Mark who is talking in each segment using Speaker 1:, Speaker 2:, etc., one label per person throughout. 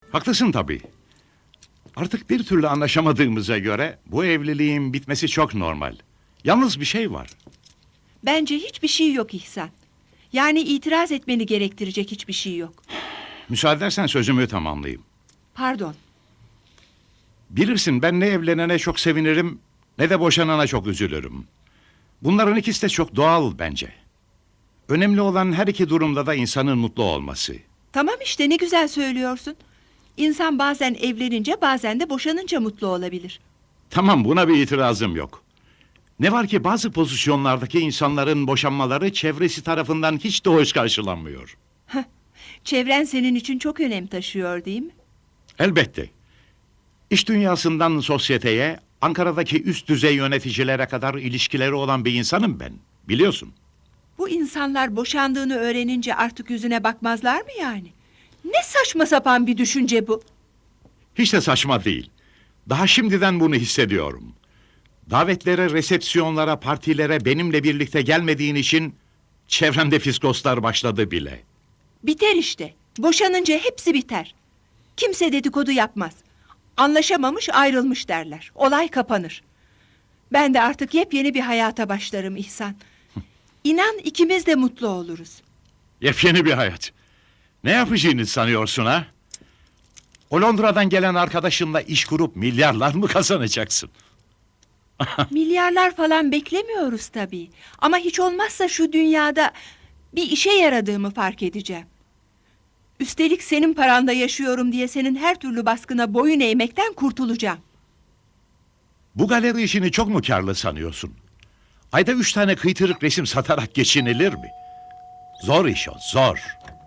Speaker 1: Haklısın tabii. Artık bir türlü anlaşamadığımıza göre bu evliliğin bitmesi çok normal. Yalnız bir şey var.
Speaker 2: Bence hiçbir şey yok İhsan. Yani itiraz etmeni gerektirecek hiçbir şey yok.
Speaker 1: Müsaade edersen sözümü tamamlayayım.
Speaker 2: Pardon.
Speaker 1: Bilirsin ben ne evlenene çok sevinirim ne de boşanana çok üzülürüm. Bunların ikisi de çok doğal bence. Önemli olan her iki durumda da insanın mutlu olması.
Speaker 2: Tamam işte ne güzel söylüyorsun. İnsan bazen evlenince bazen de boşanınca mutlu olabilir.
Speaker 1: Tamam, buna bir itirazım yok. Ne var ki bazı pozisyonlardaki insanların boşanmaları çevresi tarafından hiç de hoş karşılanmıyor.
Speaker 2: Çevren senin için çok önem taşıyor değil mi?
Speaker 1: Elbette. İş dünyasından sosyeteye, Ankara'daki üst düzey yöneticilere kadar ilişkileri olan bir insanım ben. Biliyorsun.
Speaker 2: Bu insanlar boşandığını öğrenince artık yüzüne bakmazlar mı yani? Ne saçma sapan bir düşünce bu.
Speaker 1: Hiç de saçma değil. Daha şimdiden bunu hissediyorum. Davetlere, resepsiyonlara, partilere benimle birlikte gelmediğin için çevremde fiskoslar başladı bile.
Speaker 2: Biter işte. Boşanınca hepsi biter. Kimse dedikodu yapmaz. Anlaşamamış ayrılmış derler. Olay kapanır. Ben de artık yepyeni bir hayata başlarım İhsan. İnan ikimiz de mutlu oluruz.
Speaker 1: Yepyeni bir hayat. Ne yapacağını sanıyorsun ha? O Londra'dan gelen arkadaşınla iş kurup milyarlar mı kazanacaksın?
Speaker 2: Milyarlar falan beklemiyoruz tabii. Ama hiç olmazsa şu dünyada bir işe yaradığımı fark edeceğim. Üstelik senin paranda yaşıyorum diye senin her türlü baskına boyun eğmekten kurtulacağım.
Speaker 1: Bu galeri işini çok mu karlı sanıyorsun? Ayda 3 tane kıytırık resim satarak geçinilir mi? Zor iş o, zor.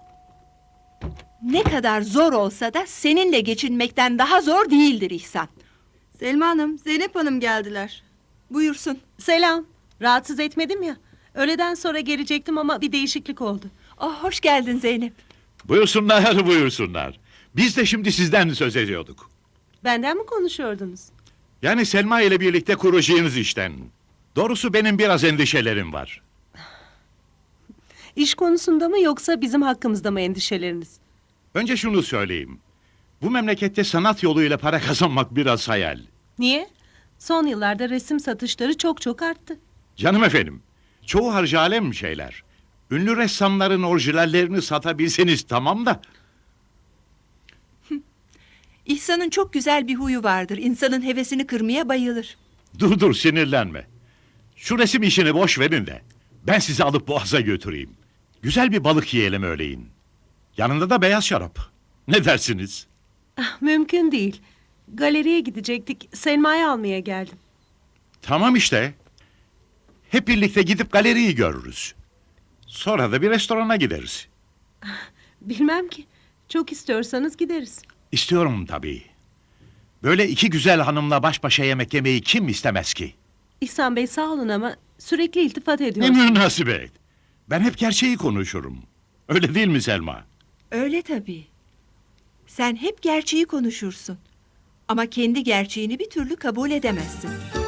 Speaker 2: Ne kadar zor olsa da seninle geçinmekten daha zor değildir İhsan.
Speaker 3: Selma Hanım, Zeynep Hanım geldiler.
Speaker 2: Buyursun.
Speaker 4: Selam. Rahatsız etmedim ya. Öğleden sonra gelecektim ama bir değişiklik oldu.
Speaker 2: Oh, hoş geldin Zeynep.
Speaker 1: Buyursunlar, buyursunlar. Biz de şimdi sizden söz ediyorduk.
Speaker 4: Benden mi konuşuyordunuz?
Speaker 1: Yani Selma ile birlikte kuracağınız işten. Doğrusu benim biraz endişelerim var.
Speaker 4: İş konusunda mı yoksa bizim hakkımızda mı endişeleriniz?
Speaker 1: Önce şunu söyleyeyim. Bu memlekette sanat yoluyla para kazanmak biraz hayal.
Speaker 4: Niye? Son yıllarda resim satışları çok arttı.
Speaker 1: Canım efendim, çoğu harcı alem şeyler. Ünlü ressamların orijinallerini satabilseniz tamam da...
Speaker 2: İhsan'ın çok güzel bir huyu vardır. İnsanın hevesini kırmaya bayılır.
Speaker 1: Dur sinirlenme. Şu resim işini boş verin de ben sizi alıp Boğaz'a götüreyim. Güzel bir balık yiyelim öğleyin. Yanında da beyaz şarap. Ne dersiniz?
Speaker 4: Ah, mümkün değil. Galeriye gidecektik. Selma'yı almaya geldim.
Speaker 1: Tamam işte. Hep birlikte gidip galeriyi görürüz. Sonra da bir restorana gideriz.
Speaker 4: Bilmem ki. Çok istiyorsanız gideriz.
Speaker 1: İstiyorum tabii. Böyle iki güzel hanımla baş başa yemek yemeyi kim istemez ki?
Speaker 4: İhsan Bey sağ olun ama sürekli iltifat
Speaker 1: Ne
Speaker 4: ediyorsunuz.
Speaker 1: münasebet. Ben hep gerçeği konuşurum. Öyle değil mi Selma?
Speaker 2: Öyle tabii. Sen hep gerçeği konuşursun. Ama kendi gerçeğini bir türlü kabul edemezsin.